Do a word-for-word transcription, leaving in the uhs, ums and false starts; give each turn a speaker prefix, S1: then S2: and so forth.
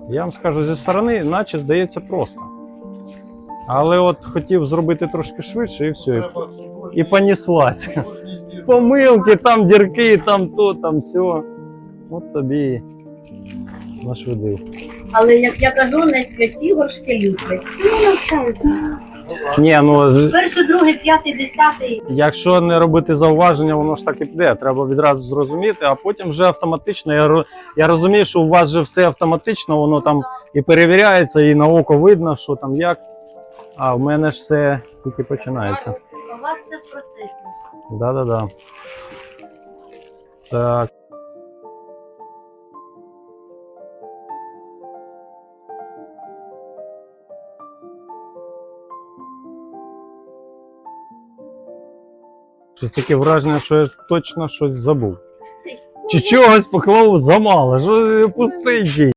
S1: Я вам скажу, зі сторони, наче здається просто. Але от хотів зробити трошки швидше і все. І, і поніслась. Помилки, там дірки, там то, там все. От тобі нашвидив.
S2: Але, як я кажу, не святі горшки люблять. Ну, навчаються.
S1: Ні, ну,
S2: Перший, другий, п'ятий, десятий.
S1: якщо не робити зауваження, воно ж так і піде. Треба відразу зрозуміти, а потім вже автоматично. Я, ро- я розумію, що у вас вже все автоматично, воно там і перевіряється, і на око видно, що там як. А в мене ж все тільки починається.
S2: У вас це в процесі.
S1: Да-да-да. Так. Щось таке враження, що я точно щось забув. Чи чогось поклав замало, що пустий.